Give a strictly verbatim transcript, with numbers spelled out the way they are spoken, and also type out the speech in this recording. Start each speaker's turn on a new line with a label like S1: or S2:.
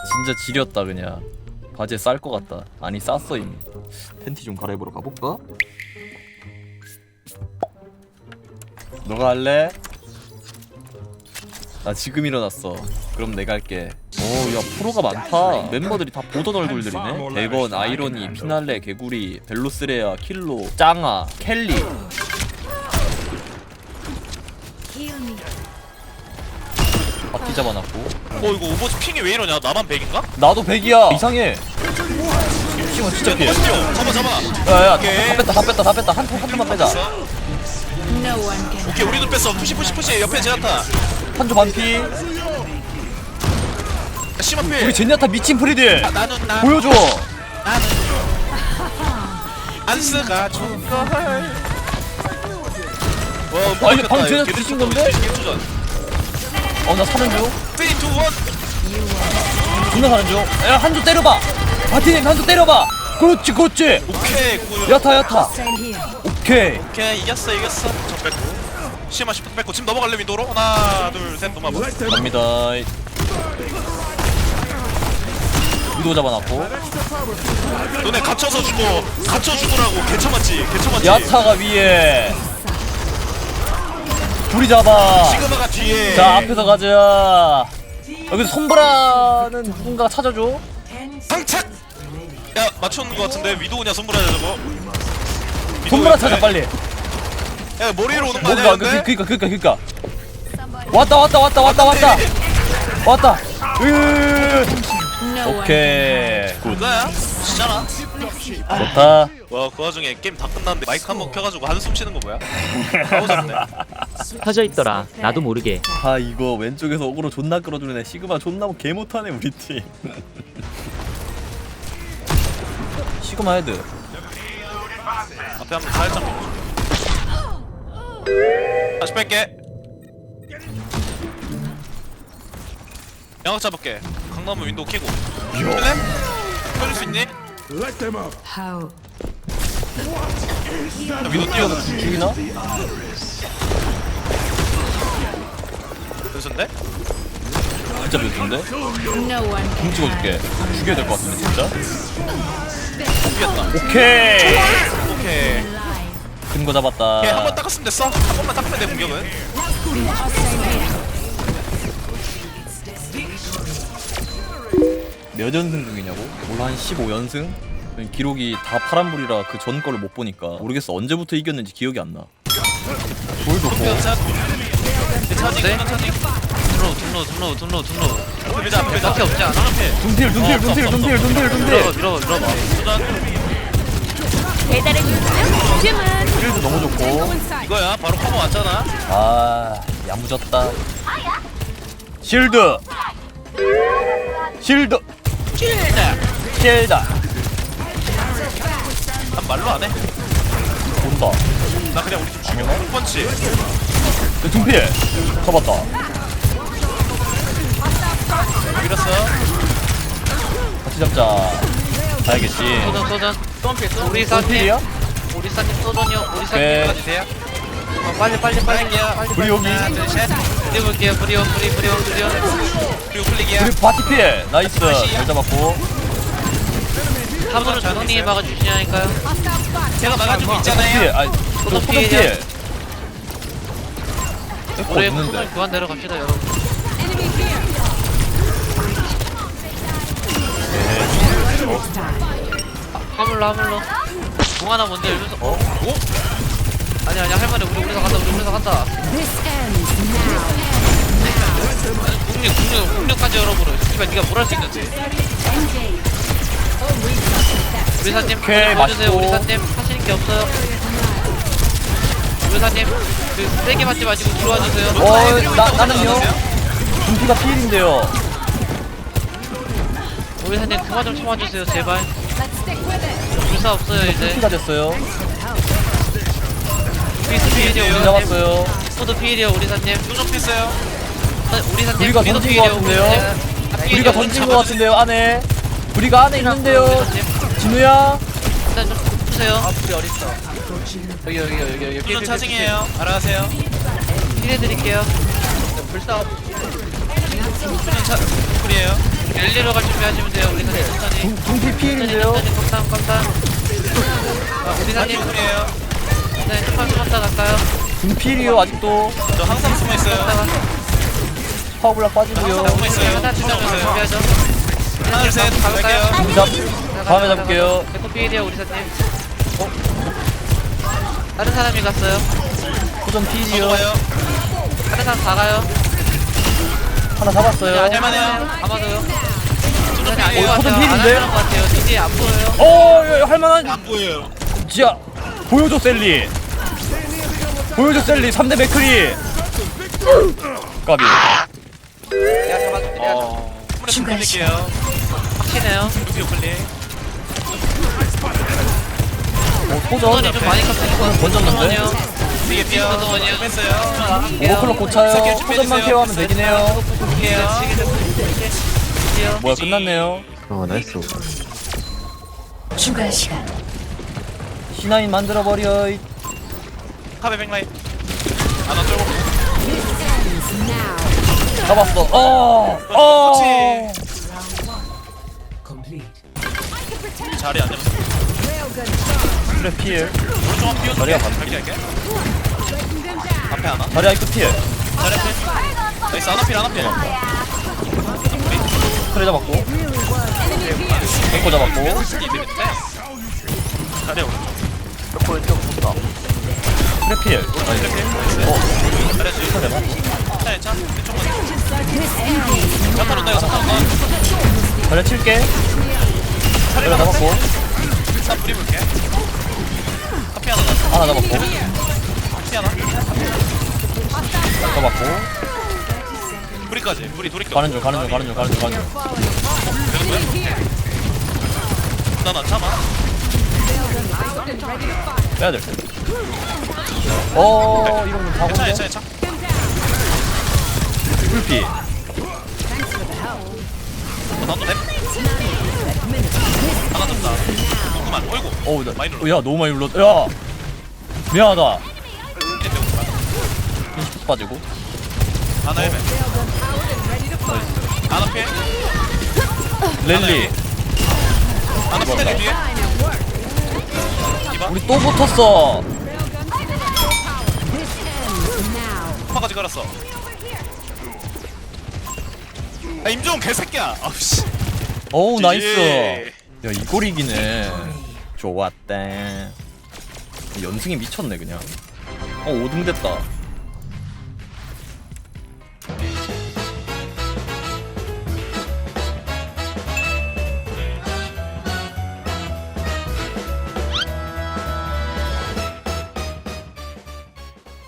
S1: 진짜 지렸다 그냥. 바지에 쌀 것 같다. 아니 쌌어 이미. 팬티 좀 갈아입으러 가볼까? 너가 할래? 나 지금 일어났어. 그럼 내가 할게. 오, 야 프로가 많다. 멤버들이 다 보던 얼굴들이네. 대건, 아이러니, 피날레, 개구리, 벨로스레아, 킬로, 짱아, 켈리. 바퀴 잡아놨고.
S2: 어 이거 오버워치 핑이 왜 이러냐? 나만 백인가?
S1: 나도 백이야. 이상해. 시원 진짜 피해.
S2: 잡아 잡아.
S1: 야야,
S2: 오케이.
S1: 다 뺐다, 다 뺐다, 다 뺐다. 한 한 조만 빼자.
S2: 오케이 우리도 뺐어. 푸시 푸시 푸시. 옆에 제나타.
S1: 한조 반피.
S2: 심한필.
S1: 우리 제니아타 미친 프리딜.
S2: 나는 나.
S1: 보여줘.
S2: 나는 안스가 좋걸. 와,
S1: 아, 이거 방금 쟤네 뒤진 건데? 어, 나 사는 중.
S2: 쓰리, 투, 원.
S1: 존나 사는 중. 야, 한조 때려봐. 바티님 한조 때려봐. 그렇지, 그렇지.
S2: 오케이, 구.
S1: 야타, 야타. 오케이.
S2: 오케이, 이겼어, 이겼어. 저 뺐고. 시마 시프트 뺐고 지금 넘어갈래 윈도로? 하나, 둘, 셋, 넘어가.
S1: 갑니다. 위도 잡아놨고.
S2: 너네 갇혀서 죽어. 갇혀 죽으라고. 개쳐맞지, 개쳐맞지.
S1: 야타가 위에. 둘이 잡아.
S2: 시그마가 뒤에.
S1: 자, 앞에서 가자. 여기서 손브라는 누군가가 찾아줘.
S2: 상착. 야, 맞췄는 거 같은데 위도우냐 손브라냐 저거?
S1: 손브라 찾아 빨리.
S2: 야, 머리로 오는 거
S1: 뭔가
S2: 아니야?
S1: 그, 그니까 그니까 그니까. 왔다 왔다 왔다 왔다 왔다. 왔다. 으. 오케이. 굿.
S2: 그거야? 진짜나?
S1: 좋다.
S2: 와, 그 와중에 게임 다 끝났는데 마이크 한 번 켜가지고 한숨 쉬는 거 뭐야? 가오졌네.
S3: 터져 있더라. 나도 모르게.
S1: 아 이거 왼쪽에서 어그로 존나 끌어주는 애 시그마 존나 개 못하네 우리 팀. 시그마 헤드.
S2: 앞에 한번 살짝 밀어줘. 다시 뺄게. 양각 잡을게. 강남은 윈도우 켜고. 킬래? 켜줄 수 있니?
S4: How?
S2: 나 윈도우 띄워.
S1: 죽이나?
S2: 그래서인데?
S1: 진짜 몇인데?
S4: No one
S1: 공
S4: can
S1: 찍어줄게. 죽여야 될 것 같은데 진짜.
S2: 이겼다.
S1: 오케이.
S2: 오케이.
S1: 큰 거 잡았다.
S2: 오케이, 한 번 닦았으면 됐어. 한 번만 닦으면 돼 공격은.
S1: 몇 연승 중이냐고? 몰라 한 십오 연승? 기록이 다 파란불이라 그 전 거를 못 보니까 모르겠어. 언제부터 이겼는지 기억이 안 나. 돌 좋고.
S2: 괜찮. 괜찮니? 괜찮니?
S3: 둔로 둔로 둔로 둔로 둔로.
S2: 앞에 밀자, 앞에 밀자.
S3: 밖에 없지 않아?
S1: 둔필 둔필 둔필 둔필 둔필 둔필.
S3: 밀어 밀어 밀어봐.
S4: 배달의 민족 주문.
S1: 필도 너무 좋고.
S2: 이거야, 바로 커버 왔잖아.
S1: 아 야무졌다. 실드. 실드. 실드.
S2: 난 말로 안 해.
S1: 본다.
S2: 나 그냥 우리 팀 죽여. punk펀치.
S1: 둔필. 잡았다.
S2: 밀었어.
S1: 같이 잡자. 가야겠지.
S3: 소전 소전. 우리 사님
S1: 둔필이야?
S3: 우리 사님 소전이요. 우리
S1: 오케이.
S3: 사님
S2: 돼요?
S3: 어, 빨리 빨리 빨리 빨리.
S1: 우리 여기.
S2: 하나, 둘, 셋.
S3: 뿌리 볼게요. 뿌리온 뿌리 뿌리온 뿌리온.
S2: 그리고 클릭이야.
S1: 그리고 바티필. 나이스. 잘 잡았고.
S3: 함부로 장동님이 막아주시냐니까요.
S2: 제가 막아주고
S1: 필.
S2: 있잖아요.
S1: 아니 또
S3: 필이야.
S1: 소전필.
S3: 우리
S1: 있는데.
S3: 소전 교환 내려갑시다 여러분. 화물로 화물로. 공 하나 먼저 열면서. 어?
S2: 오?
S3: 아니 아니 할머니 우리 우리서 간다 우리 우리서 간다.
S4: This ends now.
S3: 국력 국력 국력까지 열어보려. 씨발 네가 뭘 할 수 있는데. 우리 사님
S1: 오케이,
S3: 봐주세요.
S1: 맛있고.
S3: 우리 사님 하시는 게 없어요. 우리 사님 그 세게 맞지 마시고 들어와 주세요.
S1: 어, 나 나는요. 둔피가 필인데요.
S3: 우리 사님 그만 좀 참아 주세요 제발. 불사 없어요 이제.
S1: 피가 됐어요.
S3: 피스 피해요 우리 사님.
S1: 잡았어요.
S3: 스포드 피해요 우리 사님.
S2: 요정 피스요.
S3: 우리 사님
S1: 우리가
S3: 우리도
S1: 던진 것
S3: 피해요,
S1: 같은데요?
S3: 우리 사님. 다 피해요,
S1: 우리가
S3: 우리
S1: 던진 것
S3: 잡아주세요.
S1: 같은데요 안에. 우리가 안에 있는데요.
S3: 우리 사님.
S1: 진우야.
S3: 일단 좀 푸세요. 아 우리 어딨어. 여기 여기 여기 여기.
S2: 요정 차징이에요. 알아하세요.
S3: 피해드릴게요.
S2: 요정 차. 풀이에요.
S3: 엘리로 갈 준비 준비하시면 돼요. 우리 사님 천천히.
S1: 둥피 피일인데요?
S3: 천천히 깜짝 깜짝. 아, 우리 사님
S2: 이에요.
S3: 네, 조금 숨었다 갈까요?
S1: 둥피일이요 아직도.
S2: 저 항상 숨어 있어요.
S3: 숨었다가
S1: 파워블락 빠지고요.
S2: 숨어 있어요.
S3: 하나 둘 셋 준비하죠.
S2: 하나 둘 셋
S3: 가볼까요?
S2: 갈게요.
S1: 잡. 다음에 잡을게요.
S3: 에코피일이요 우리 사님. 어? 다른 사람이 갔어요.
S1: 후전 피일이요.
S2: 넘어가요.
S3: 다른 사람 다 가요.
S1: 하나 잡았어요.
S2: 할만해요.
S3: 아마도요. 우리 사님 안
S2: 어,
S3: 보여
S1: 호든
S3: 같아요. 안
S1: 필인데?
S3: 하는 것 같아요. 뒤에 안 보여요.
S1: 어, 야, 야, 할만한.
S2: 안 보여요.
S1: 진짜 보여줘 셀리. 보여줘 셀리. 삼 대 맥크리. 까비.
S3: 내가 잡아줄게. 내가
S2: 어. 프레스 돌릴게요.
S3: 확신해요.
S2: 루비오 클릭.
S1: 어,
S3: 손이
S1: 소전.
S3: 좀 많이 컸으니까
S1: 던졌는데?
S2: 뒤에 뛰어.
S3: 잠깐만요.
S2: 뺐어요.
S1: 오버클럭 고차요. 소전만 케어하면 되긴 해요. 뭐야 끝났네요.
S5: 어 나이스.
S4: 추가 시간.
S1: 시나인 만들어버려. 이.
S2: 카베 백라인. 하나 쫄고.
S4: Now.
S1: 잡았어. 어. 어.
S2: 그렇지. 자리 안 잡았어.
S1: 그래 피해.
S2: 오른쪽 한 띄워줄게.
S1: 자리가 반대.
S2: 갈게 갈게. 앞에 하나.
S1: 자리 아이크 피해.
S2: 자리 앞에. 나이스 하나필 하나필.
S1: 그래 잡았고. 앵코 잡았고.
S2: 이들인데. 자리 오른쪽.
S1: 그래 피해. 어.
S2: 잘했지. 차, 차. 이쪽만. 잠깐 온다, 이거 잠깐 온다.
S1: 자리 칠게. 그래 잡았고.
S2: 나 뿌리 볼게. 커피 하나 나.
S1: 하나 잡았고.
S2: 커피 하나.
S1: 잡았고.
S2: 뿌리까지. 뿌리 돌이 껴.
S1: 가는 중 가는 중 가는 중 가는 중 가는 중.
S2: 되는 거야? 나안 참아.
S1: 빼야 될 듯. 어 이건 좀
S2: 괜찮아,
S1: 사고인데.
S2: 괜찮아, 괜찮아.
S1: 불피.
S2: 어, 나도 랩. 하나 잡다. 조금만. 어이구.
S1: 어우 나.
S2: 많이 눌렀어.
S1: 어, 야 너무 많이 눌렀다. 야. 미안하다. 인식 빠지고.
S2: 하나 헬멧. 하나 피해.
S1: 랠리.
S2: 하나 스택 뒤에. 이봐.
S1: 우리 또 붙었어.
S2: 파까지 갈았어. 아 임종 개새끼야. 아우씨.
S1: 어우
S2: 지지.
S1: 나이스. 야 이걸 이기네. 좋았다. 연승이 미쳤네 그냥. 어 오 등 됐다.